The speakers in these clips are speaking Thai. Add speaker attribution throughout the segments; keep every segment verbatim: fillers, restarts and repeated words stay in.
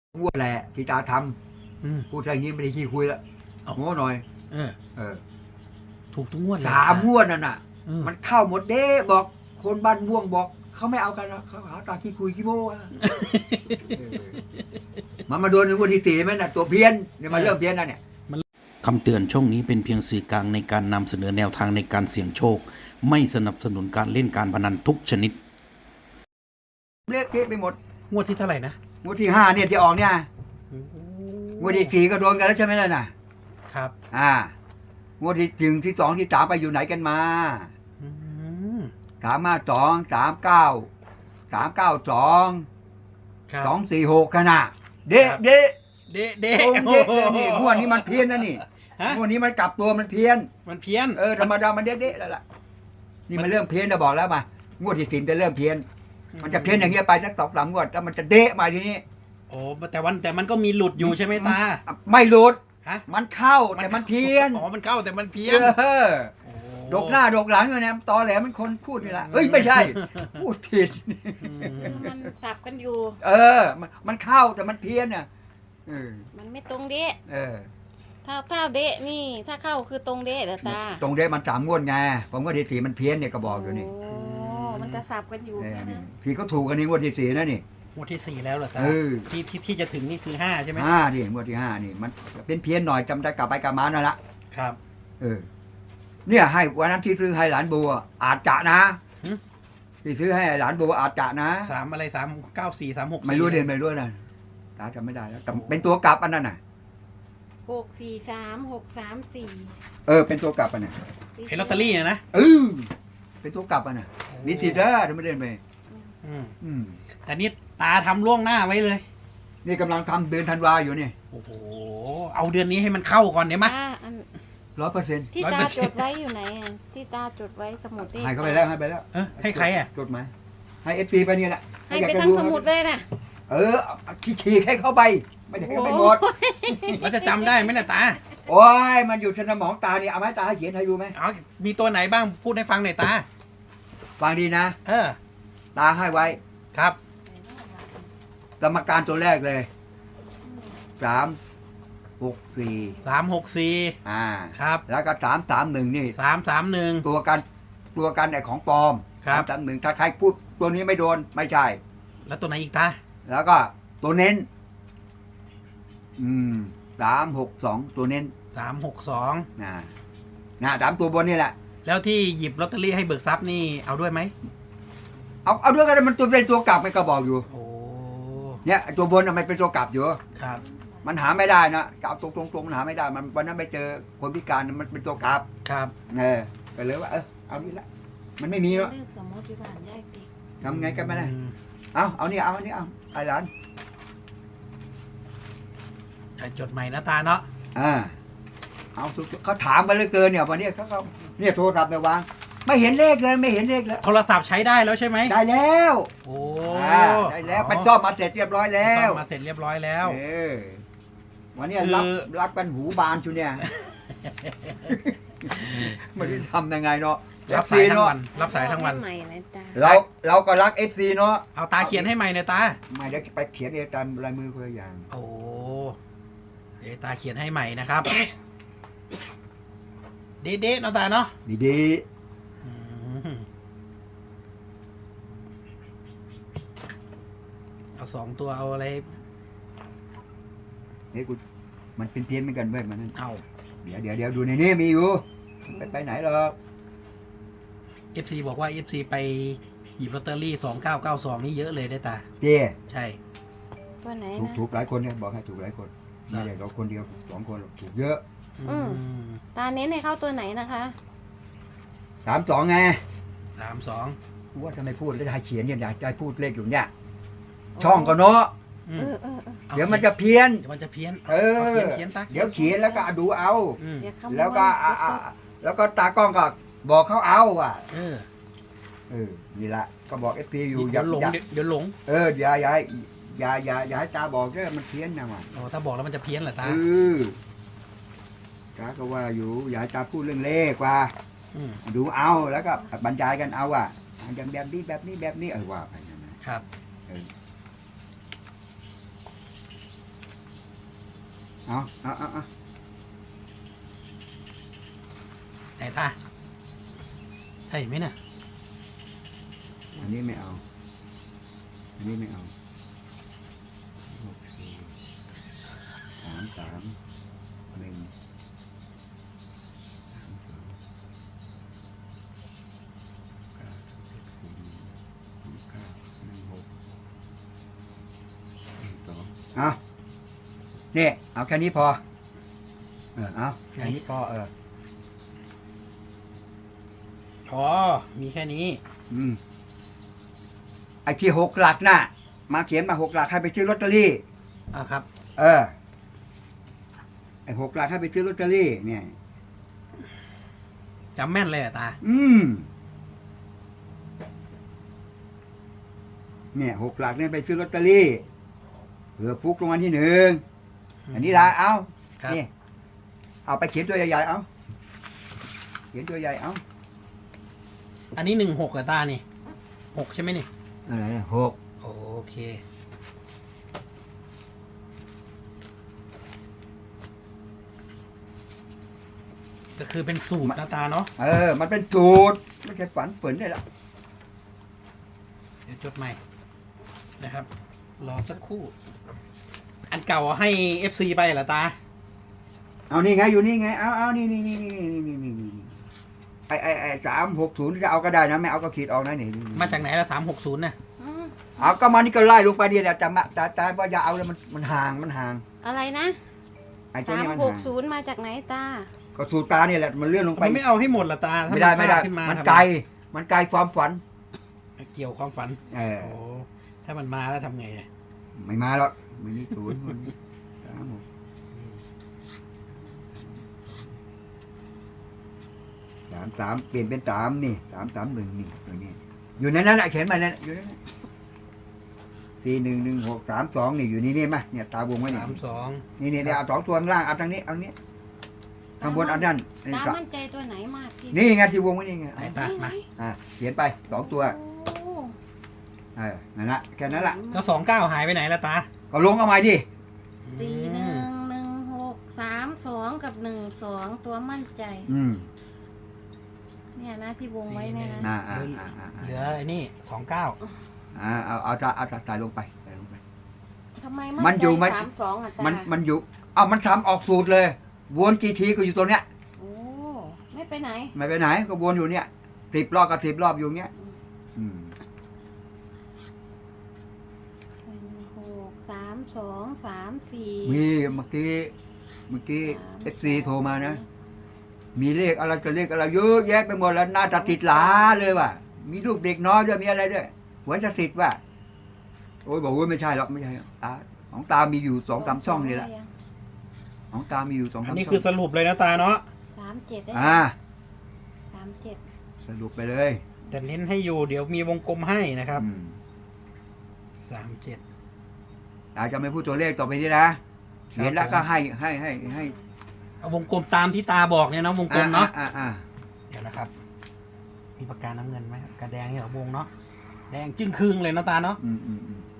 Speaker 1: งวดแหละที่ตาทำพูดอย่างนี้ไม่ได้ขี้คุยแล้วโง่หน่อย
Speaker 2: เออ
Speaker 1: เออ
Speaker 2: ถูกทุกงวดเลย
Speaker 1: สามงวดนั่นน่ะ
Speaker 2: อืม
Speaker 1: มันเข้าหมดเด้บอกคนบ้านม่วงบอกเขาไม่เอากันนะเขาหาตาขี้คุยขี้โม้อะเออมันมาโดนในงวดที่สี่ไหมน่ะตัวเพี้ยนเนี่ยมันเริ่มเพี้ยนแล้วเนี่ย
Speaker 3: คำเตือนช่องนี้เป็นเพียงสื่อกลางในการนำเสนอแนวทางในการเสี่ยงโชค ไม่สนับสนุนการเล่นการพนันทุกชนิด
Speaker 1: เละเทะไปหมด
Speaker 2: งวดที่เท่าไหร่นะ
Speaker 1: งวดที่ห้าเนี่ยที่ออกเนี่ยงวดที่สี่ก็โดนกันแล้วใช่ไหมล่ะน่ะ
Speaker 2: ครับ
Speaker 1: อ่างวดที่จึงที่สองที่สามไปอยู่ไหนกันมา
Speaker 2: อืม
Speaker 1: สามห้าสองสามเก้าสามเก้าสอง
Speaker 2: ครับ
Speaker 1: สองสี่หกขนาดเด๊ะเด๊ะ
Speaker 2: เดะเดะ
Speaker 1: ตรงเด๊ะเลยนี่งวดนี้มันเพี้ยนนะนี่
Speaker 2: ฮะ
Speaker 1: งวดนี้มันกลับตัวมันเพี้ยน
Speaker 2: มันเพี้ยน
Speaker 1: เออธรรมดามันเด๊ะเด๊ะแล้วล่ะนี่มันเริ่มเพี้ยนนะบอกแล้วมางวดที่สี่จะเริ่มเพี้ยน มันจะเพี้ยนอย่างเงี้ยไปสักสองสามงวดแล้วมันจะเด๊ะมาทีนี้
Speaker 2: โอ้แต่วันแต่มันก็มีหลุดอยู่ใช่ไหมตา
Speaker 1: ไม่หลุด
Speaker 2: ฮะ
Speaker 1: มันเข้าแต่มันเพี้ยน
Speaker 2: อ๋อมันเข้าแต่มันเพี้ยน
Speaker 1: เออ
Speaker 2: โอ้
Speaker 1: ดกหน้าดกหลังอยู่เนี่ยตอแหลมันคนพูดนี่แหละเอ้ยไม่ใช่ พูดผิด
Speaker 2: อืม
Speaker 4: มันสับกันอยู่
Speaker 1: เออ มันมันเข้าแต่มันเพี้ยนน่ะเออ
Speaker 4: มันไม่ตรงเดะ
Speaker 1: เออ
Speaker 4: ถ้าถ้าเดะนี่ ถ้าเข้าคือตรงเดะเหรอตา
Speaker 1: ตรงเดมันสามงวดไงผมก็ทีสี่มันเพี้ยนเนี่ยก็บอกอยู่นี่
Speaker 4: โอ้มันจะสับกันอยู่
Speaker 1: เออ
Speaker 4: แค่
Speaker 1: นี่
Speaker 4: นั้น
Speaker 1: พี่ก็ถูกกันนี่งวดที่สี่นะนี่
Speaker 2: งวดที่สี่แล้วเหรอตา
Speaker 1: เออ
Speaker 2: ที่ที่ที่จะถึงนี่คือห้าใช่ไหม
Speaker 1: ห้าดิงวดที่ห้านี่มันเป็นเพี้ยนหน่อยจำได้กลับไปกลับมานั่นละ
Speaker 2: ครับ
Speaker 1: เออ เนี่ยให้วันนั้นที่ซื้อให้หลานบัวอาจจะนะ
Speaker 2: หึ
Speaker 1: ที่ซื้อให้หลานบัวอาจจะนะ
Speaker 2: สามอะไรสามเก้าสี่สามหก
Speaker 1: ไม่รู้เด่นไม่รู้นะตาจำไม่ได้แล้วแต่เป็นตัวกลับอันนั้นน่ะ
Speaker 4: หกสี่สามหกสามสี่
Speaker 1: เออเป็นตัวกลับอันน่ะ
Speaker 2: เห็นลอตเตอรี่อะนะ
Speaker 1: เออเป็นตัวกลับอันน่ะมีสิทธิ์เด้อถ้าไม่เด่นไป
Speaker 2: อืม
Speaker 1: อืม
Speaker 2: แต่นี่ตาทำล่วงหน้าไว้เลย
Speaker 1: นี่กำลังทำเดือนธันวาอยู่นี่
Speaker 2: โอ้โหเอาเดือนนี้ให้มันเข้าก่อนเดี๋ยวมา
Speaker 4: ตาอัน
Speaker 1: ร้อยเปอร์เซ็นต์
Speaker 4: ที่
Speaker 2: ร้อย
Speaker 4: ตา
Speaker 2: เปอร์เซ็
Speaker 4: จ
Speaker 2: นต์
Speaker 4: ดไว้อยู่ไหนอะที่ตาจดไว้สมุดเลข
Speaker 1: ให้เขาไปแล้วให้ไปแล้ว
Speaker 2: เออให้ใครอ่ะ
Speaker 1: จดหมายให้เอฟซีไปนี่แหละ
Speaker 4: ให้
Speaker 1: อยาก
Speaker 4: ไป
Speaker 1: จะ
Speaker 4: ทั้งสมุดเลยนะ
Speaker 1: เออเอาขี้ฉีกให้เข้าไป ไม่ได้ให้ไปหมด
Speaker 2: เราจะจำได้ไหมเนี่ยตา
Speaker 1: โอ้ยมันอยู่ในสมองตานี่เอาไหมตาให้เขียนให้ดูไหม
Speaker 2: เอามีตัวไหนบ้างพูดให้ฟังหน่อยตา
Speaker 1: ฟังดีนะ
Speaker 2: เออ
Speaker 1: ตาให้ไว้
Speaker 2: ครับ
Speaker 1: กรรมการตัวแรกเลยสามหกสี่
Speaker 2: สามหกสี่
Speaker 1: อ่า
Speaker 2: ครับ
Speaker 1: แล้วก็สามสามหนึ่งนี่
Speaker 2: สามสามหนึ่ง
Speaker 1: ตัวกันตัวกันไอของปลอม
Speaker 2: ครับ
Speaker 1: สามหนึ่งถ้าใครพูดตัวนี้ไม่โดนไม่ใช่
Speaker 2: แล้วตัวไหนอีกตา
Speaker 1: แล้วก็ตัวเน้น อืมสามหกสองตัวเน้น
Speaker 2: สามหกสอง
Speaker 1: นะนะสามตัวบนนี่แหละ
Speaker 2: แล้วที่หยิบลอตเตอรี่ให้เบิกทรัพย์นี่เอาด้วยไหม
Speaker 1: เอาเอาด้วยกันมันตัวเป็นตัวกลับไปก็บอกอยู่
Speaker 2: โอ้
Speaker 1: เนี่ยไอ้ตัวบนน่ะมันเป็นตัวกลับอยู่
Speaker 2: ครับ
Speaker 1: มันหาไม่ได้นะจะเอาตรงตรงตรงมันหาไม่ได้ มันวันนั้นไปเจอคนพิการมันเป็นตัวกลับ
Speaker 2: ครับ
Speaker 1: เออก็เลยว่าเออเอานี่ละมันไม่มีแล้ว
Speaker 4: เลขสมุดที่บ้านได้ติ
Speaker 1: ทำไงกันไม่ได้
Speaker 2: อืม
Speaker 1: เอาเอานี่เอาอันนี้เอาไอ้หลาน
Speaker 2: อ่ะจดใหม่นะตาเนาะ
Speaker 1: อ่าเอาทุกเขาถามไปเลยเกินเนี่ยวันนี้เขาเขาเนี่ยโทรศัพท์เนี่ยวางไม่เห็นเลขเลยไม่เห็นเลขแล้ว
Speaker 2: โทรศัพท์ใช้ได้แล้วใช่ไหม
Speaker 1: ได้แล้ว
Speaker 2: โอ้
Speaker 1: อ่าได้แล้วไปซ่อมมาเสร็จเรียบร้อยแล้
Speaker 2: ซ่อ
Speaker 1: ว
Speaker 2: มมาเสร็จเรียบร้อยแล้ว
Speaker 1: เออวันนี้
Speaker 2: คือ
Speaker 1: รับรับกันหูบานชูเนี่ย ไม่ได้ทำยังไงเนาะ
Speaker 2: รับ
Speaker 1: เอฟ
Speaker 2: สา
Speaker 1: ซี
Speaker 2: ยทั้ง
Speaker 1: เนาะ
Speaker 2: วัน รับสายทั้งวัน
Speaker 4: ใหม่เลยตา
Speaker 1: เราเราก็รักเอฟซีเนาะ
Speaker 2: เอาตาเขียนให้ใหม่หน่อยตา
Speaker 1: ไม่ได้ไปเขียนเองตามลายมือคนละอย่าง
Speaker 2: โอ้เดี๋ยวตาเขียนให้ใหม่นะครับ เด๊ะๆเนาะตาเนาะ
Speaker 1: ดี
Speaker 2: อืมเอาสองตัวเอาอะไร
Speaker 1: ๆนี่กูมันเป็นเพี้ยนเหมือนกันเว้ยมันนั่น
Speaker 2: เอา
Speaker 1: เดี๋ยวเดี๋ยวเดี๋ยวดูในนี้มีอยู่ไปไปไหนหรอก
Speaker 2: เอฟซีบอกว่าเอฟซีไปหยิบลอตเตอรี่สองเก้าเก้าสองนี่เยอะเลยได้ตา
Speaker 1: เจ้
Speaker 2: ใช่
Speaker 4: ตัวไหน
Speaker 1: ถูก
Speaker 4: นะ
Speaker 1: ถูกหลายคนเนี่ยบอกให้ถูกหลายคน
Speaker 2: เหรอ
Speaker 1: ไม่ใช่เราคนเดียวสองคนหรอกถูกเยอะ
Speaker 4: อืม ตาเน้นให้เข้าตัวไหนนะคะ
Speaker 1: สามสองไง
Speaker 2: สามสอง
Speaker 1: กูว่าจะไม่พูดแล้วจะให้เขียนเนี่ยอยากจะให้พูดเลขอยู่เนี่ย ช่องก็เนาะ
Speaker 2: อื
Speaker 4: เอ
Speaker 2: ม
Speaker 4: อเออเออ
Speaker 2: อา
Speaker 1: เดี๋ยวมันจะเพี้ยน
Speaker 2: เดี๋ยวมันจะเพี้ยน
Speaker 1: เออ
Speaker 2: าเขียนเขียนตา
Speaker 1: เดี๋ยวเขียนแล้วก็ดูเอา
Speaker 2: อืม
Speaker 4: อย่าขโมย
Speaker 1: แล้วก็อ่ะอ่ะแล้วก็ตากล้องก็บอกเขาเอาอ่ะ
Speaker 2: เออ
Speaker 1: เออนี่แหละก็บอกเอฟพีอยู่อ
Speaker 2: เดี๋
Speaker 1: ย่า
Speaker 2: ยวหลง
Speaker 1: อย่า
Speaker 2: เดี๋ยวหลง
Speaker 1: เอออย่าอย่าอย่าอย่าอย่าให้ตาบอกเด้อมันเพี้ยนนะมัน
Speaker 2: โอ้ถ้าบอกแล้วมันจะเพี้ยนเหรอตา
Speaker 1: เออตาก็ว่าอยู่อย่าให้ตาพูดเรื่องเลขว่า
Speaker 2: อืม
Speaker 1: ดูเอาแล้วก็บรรยายกันเอาอ่ะอย่างแบบนี้แบบนี้แบบนี้เออว่าไปนะ
Speaker 2: ครับ
Speaker 1: เออเอาเอาเอาเอา
Speaker 2: แต่ตาใช่ไหมน่ะ
Speaker 1: อันนี้ไม่เอา อันนี้ไม่เอาหกสี่สามสามหนึ่งสามสองเก้าเจ็ดสี่หนึ่งเก้าหนึ่งหกหนึ่งสองเอาเนี่ยเอาแค่นี้พอ เออเอาแค่นี้พอเออ
Speaker 2: อ๋อมีแค่นี้
Speaker 1: อืมไอ้ที่หกหลักน่ะ มาเขียนมาหกหลักให้ไปซื้อลอตเตอรี่
Speaker 2: อ่ะครับ
Speaker 1: เออ ไอ้หกหลักให้ไปซื้อลอตเตอรี่ เนี่ย
Speaker 2: จำแม่นเลยอะตา
Speaker 1: อืม เนี่ยหกหลักเนี่ยไปซื้อลอตเตอรี่เผื่อฟุกรางวัลที่หนึ่งอันนี้ละเอา
Speaker 2: ครับ
Speaker 1: นี่เอาไปเขียนตัวใหญ่ๆเอาเขียนตัวใหญ่เอา
Speaker 2: อันนี้หนึ่งหกอะตานี่หกใช่ไหมนี่
Speaker 1: อะไรนะหก
Speaker 2: โอเคก็คือเป็นสูตรนะตาเนาะ
Speaker 1: เออ มันเป็นสูตรไม่ใช่ฝันเปิ่นได้ละ
Speaker 2: เดี๋ยวจดใหม่นะครับ รอสักครู่ อันเก่าให้ เอฟ ซี ไปเหรอตา
Speaker 1: เอานี่ไงอยู่นี่ไงเอาเอานี่นี่นี่นี่นี่นี่นี่นี่ไอไอไอสามหกศูนย์จะเอาก็ได้นะไม่เอาก็ขีดออกนะนี่
Speaker 2: มาจากไหนละสามหกศูนย์น่ะ
Speaker 4: อืม
Speaker 1: เอาก็มานี่ก็ไล่ลงไปเดียวแหละแต่มาแต่แต่ว่าอย่าเอาเลยมันมันห่างมันห่าง
Speaker 4: อะไรนะ
Speaker 1: ไอตัว
Speaker 4: สาม
Speaker 1: นี้มัน
Speaker 4: หก
Speaker 1: ห่าง
Speaker 4: ศูนย์มาจากไหนตา
Speaker 1: ก็สูตรตาเนี่ยแหละมันเลื่อนลงไป
Speaker 2: มันไม่เอาให้หมดเหรอตาถ้า
Speaker 1: ไม่ได้ไม่ได้
Speaker 2: พลาขึ้นมา
Speaker 1: มัน
Speaker 2: ทำ
Speaker 1: ไกลมันไกลความฝัน
Speaker 2: เกี่ยวความฝัน
Speaker 1: เออ
Speaker 2: โอ้ถ้ามันมาแล้วทำไงอะ
Speaker 1: ไม่มาหรอกมันนี่ศูนย์มันสามหกสามสามเปลี่ยนเป็นสามนี่สามสามหนึ่งนี่ตัวนี้อยู่ในนั้นแหละเขียนมาเนี่ยอยู่ในนั้นสี่หนึ่งหนึ่งหกสามสองนี่อยู่นี่นี่มาเนี่ยตาวงไว้นี่
Speaker 2: สามสอง
Speaker 1: นี่นี่นี่เอาสองตัวข้างล่างเอาทางนี้เอานี้ข้างบนเอานั่นนี่
Speaker 4: ตา
Speaker 1: ก็
Speaker 4: มั่นใจตัวไหนมากที่
Speaker 1: นี่ไงที่วงไว้นี่ไง
Speaker 2: ไหนตามา
Speaker 1: อ่าเขียนไปสองตัว
Speaker 4: โอ้
Speaker 1: เออนั่นละแค่นั้นละ
Speaker 2: แล้วสองเก้าหายไปไหนละตา
Speaker 1: ก็ลงเอาใหม่ดิ
Speaker 4: สี่หนึ่งหนึ่งหกสามสองกับหนึ่งสองตัวมั่นใจ
Speaker 1: อืม
Speaker 4: เนี่ยนะที่วงไว้เนี่ยนะ
Speaker 1: อ่าอ่าอ่าอ่า
Speaker 2: เหลือไอ้นี่สองเก้า
Speaker 1: อ่าเอาเอาเอาเอาใส่ลงไปใส่ลงไป
Speaker 4: ทำไม
Speaker 1: มั
Speaker 4: มั่
Speaker 1: น
Speaker 4: น
Speaker 1: อ
Speaker 4: ใจ
Speaker 1: ยู่มัน
Speaker 4: สามสองอ่ะตา
Speaker 1: มันมันอยู่เอามันทำออกสูตรเลย วนกี่ทีก็อยู่ตรงเนี้ย
Speaker 4: โอ้ไม่ไปไหน
Speaker 1: ไม่ไปไหนก็วนอยู่เนี้ยสิบรอบกับสิบรอบอยู่เนี้ยอืม
Speaker 4: หนึ่งหกสามสองสามสี่
Speaker 1: มีเมื่อกี้เมื่อกี้
Speaker 4: สาม
Speaker 1: เอฟซีโทรมานะ มีเลขอะไรจะเลขอะไรเยอะแยะไปหมดแล้วน่าจะติดหลาเลยว่ะมีลูกเด็กน้อยด้วยมีอะไรด้วยหัวจะติดว่ะโอ้ยบอกว่าไม่ใช่หรอกไม่ใช่หรอกตาของตามีอยู่สองสามช่องนี่แหละของตามีอยู่สอง
Speaker 2: อั
Speaker 1: สาน ม
Speaker 2: นี้
Speaker 1: ช่
Speaker 2: คือ
Speaker 1: อง
Speaker 2: สรุปเลยนะตาเนาะ
Speaker 4: สามเจ็ดได้
Speaker 1: อ่า
Speaker 4: สามเจ็ด
Speaker 1: สรุปไปเลย
Speaker 2: แต่เน้นให้อยู่เดี๋ยวมีวงกลมให้นะครับ
Speaker 1: อืม
Speaker 2: สามเจ็ด
Speaker 1: ตาจะไม่พูดตัวเลขต่อไปนี้นะเขียนแล้วก็ให้ให้ให้ให้
Speaker 2: เอาวงกลมตามที่ตาบอกเนี่ยนะวงกลมเนาะ
Speaker 1: อ่าอ่า
Speaker 2: เดี๋ยวนะครับ มีปากกาน้ำเงินไหมกระแดงเนี่ยเหรอวงเนาะแดงจึ้งครึ่งเลยนะตาเนาะ
Speaker 1: อืมอืมอืม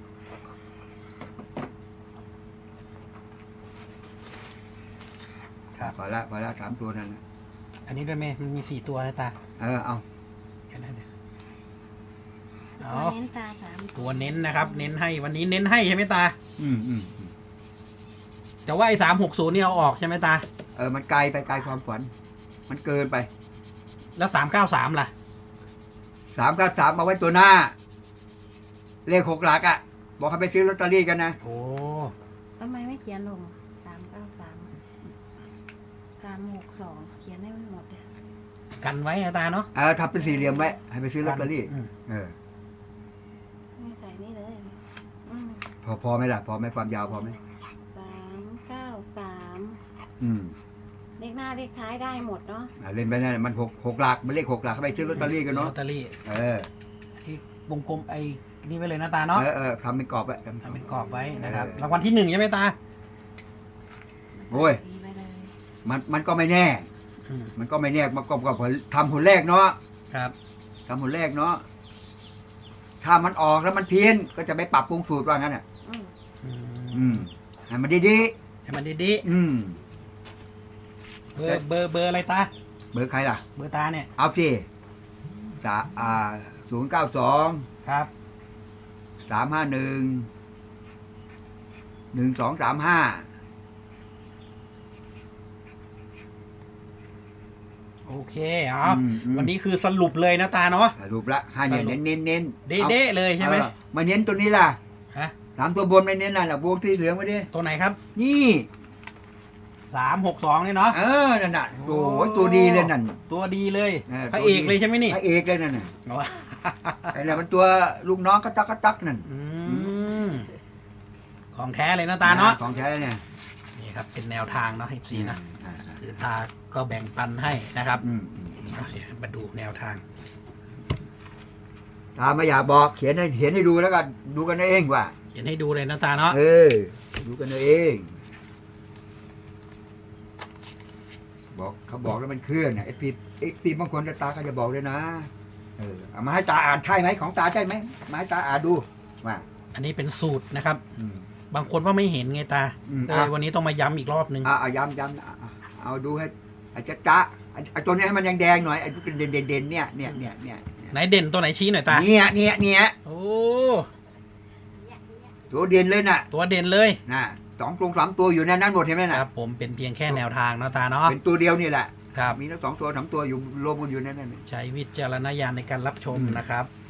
Speaker 2: ครับ
Speaker 1: พอละพอละสามตัวนั่นนะ
Speaker 2: อันนี้ด้วยไหมมันมีสี่ตัวนะตา
Speaker 1: เออเอา
Speaker 2: แค่นั้นเดี๋ยว
Speaker 4: ตั
Speaker 2: เอา
Speaker 4: วเน้นตาสาม
Speaker 2: ตัวเน้นนะครับ เน้นให้วันนี้เน้นให้ใช่ไหมตา
Speaker 1: อืมอืมอืม
Speaker 2: แต่ว่าไอ้สามหกศูนย์นี่เอาออกใช่ไหมตา
Speaker 1: เออมันไกลไปไกลความฝัน มันเกินไป
Speaker 2: แล้วสามเก้าสามล่ะ
Speaker 1: สามกับสามมาไว้ตัวหน้า เลขหกหลักอ่ะ บอกให้ไปซื้อลอตเตอรี่กันนะ
Speaker 2: โอ้
Speaker 4: ทำไมไม่เขียนลงสามเก้าสามสามหกสองเขียนให้มันหมดเลย
Speaker 2: กันไว้นะตาเนาะ
Speaker 1: เออทำเป็นสี่เหลี่ยมไว้ให้ไปซื้อลอตเตอรี่
Speaker 2: ม
Speaker 1: เออ
Speaker 4: ไม่ใส่นี่เลยอืม
Speaker 1: พอพอไหมล่ะ พอไหมความยาวพอไหม
Speaker 4: สามเก้าสาม
Speaker 1: อืม
Speaker 4: เลขหน้าเลขท้ายได้หมดเนาะ
Speaker 1: อ่ะเล่นไปนั่นแหละมันหกหกหลักมันเลขหกหลักเข้าไปซื้อลอตเตอรี่กันเนาะ
Speaker 2: ลอตเตอรี่
Speaker 1: เออ
Speaker 2: ที่วงกลมไอ้นี่ไว้เลยนะตาเนาะ
Speaker 1: เออเออทำเป็นกรอบไว้ทำ
Speaker 2: ทำเป็นกรอบไว้นะครับ
Speaker 1: เออ
Speaker 2: รางวัลที่หนึ่งใช่ไหมตา
Speaker 1: โอ้ย
Speaker 4: สีไปเลย
Speaker 1: มันมันก็ไม่แน่
Speaker 2: อืม
Speaker 1: มันก็ไม่แน่มันก็ก็ผลทำผลแรกเนาะ
Speaker 2: ครับ
Speaker 1: ทำผลแรกเนาะถ้ามันออกแล้วมันเพี้ยนก็จะไปปรับปรุงสูตรว่างั้นอ่ะ
Speaker 4: อืม
Speaker 2: อื
Speaker 1: อื
Speaker 2: ม
Speaker 1: มให้มันดี
Speaker 2: ให้มันดี
Speaker 1: อืม
Speaker 2: ๆเบอร์เบอร์เบอร์อะไรตา
Speaker 1: เบอร์ใครล่ะ
Speaker 2: เบอร์ตาเนี่ย
Speaker 1: เอาสิสาอ่าศูนย์เก้าสอง
Speaker 2: ครับ
Speaker 1: สามห้าหนึ่งหนึ่งสองสามห้า
Speaker 2: โอเคอ๋อวันนี้คือสรุปเลยนะตาเนาะ
Speaker 1: สรุปละห้าเนี่ย
Speaker 2: สรุป
Speaker 1: เน้นเน้นเน้น
Speaker 2: เด๊ะๆเลยใช่ไหม
Speaker 1: เออมาเน้นตัวนี้ล่ะ
Speaker 2: ฮะ
Speaker 1: สามตัวบนไม่เน้นล่ะน่ะวงที่เหลืองมาดิ
Speaker 2: ตัวไหนครับ
Speaker 1: นี่
Speaker 2: สามหกสองเนี่ยเนาะ
Speaker 1: เออนั่นน่ะโอ้ยตัวดีเลยนั่น
Speaker 2: ตัวดีเลย
Speaker 1: เออ
Speaker 2: พระเอกเลยใช่ไหมนี่
Speaker 1: พระเอกเลยนั่นน่ะ
Speaker 2: อ๋อ
Speaker 1: ไอ้นั่นมันตัวลูกน้องกระตักกระตักนั่น
Speaker 2: อืมของแท้เลยนะตาเนาะ
Speaker 1: ของแท้เนี่ย
Speaker 2: นี่ครับเป็นแนวทางเนาะให้สีนะ
Speaker 1: อ่า
Speaker 2: คือตาก็แบ่งปันให้นะครับ
Speaker 1: อืมอืม
Speaker 2: เอาเดี๋ยวมาดูแนวทาง
Speaker 1: ตาไม่อยากบอกเขียนให้เขียนให้ดูแล้วกันดูกันเองว่า
Speaker 2: เขียนให้ดูเลยนะตาเนาะ
Speaker 1: เออ ดูกันเอง บอกเขาบอกแล้วมันเคลื่อนนะไอ้ปีไอ้ปีบางคนตาก็จะบอกเลยนะเออเอามาให้ตาอ่านใช่ไหมของตาใช่ไหมมาให้ตาอ่านดูมา อัน
Speaker 2: อันนี้เป็นสูตรนะครับ
Speaker 1: อืม
Speaker 2: บางคนว่าไม่เห็นไงตา
Speaker 1: อืม
Speaker 2: เออวันนี้ต้องมาย้ำอีกรอบนึง
Speaker 1: อ่าเอาย้ำย้ำอ่ะอ่ะเอาดูให้อาจจะจ้าไอ้ตัวเนี้ยให้มันแดงๆหน่อยไอ้เด่นเด่นเด่นๆเนี่ยเนี่ยเนี่ยเนี่ย
Speaker 2: ไหนเด่นตัวไหนชี้หน่อยตา
Speaker 1: เนี่ยเนี่ยเนี่ย
Speaker 2: โอ้
Speaker 1: ตัวเด่นเลยน่ะ
Speaker 2: ตัวเด่นเลย
Speaker 1: น่ะสองตรงสามตัวอยู่ในนั้นหมดเห็นไหม
Speaker 2: ค
Speaker 1: น่ะ
Speaker 2: รับผมเป็นเพียงแค่แนวทางนะตาเนาะ
Speaker 1: เป็นตัวเดียวนี่แหละ
Speaker 2: ครับ
Speaker 1: มีทั้งสองตัวสามตัวอยู่รวมกันอยู่ในนั้นน่ะ
Speaker 2: ใช้วิจารณญาณในการรับชม
Speaker 1: อืม
Speaker 2: นะครับ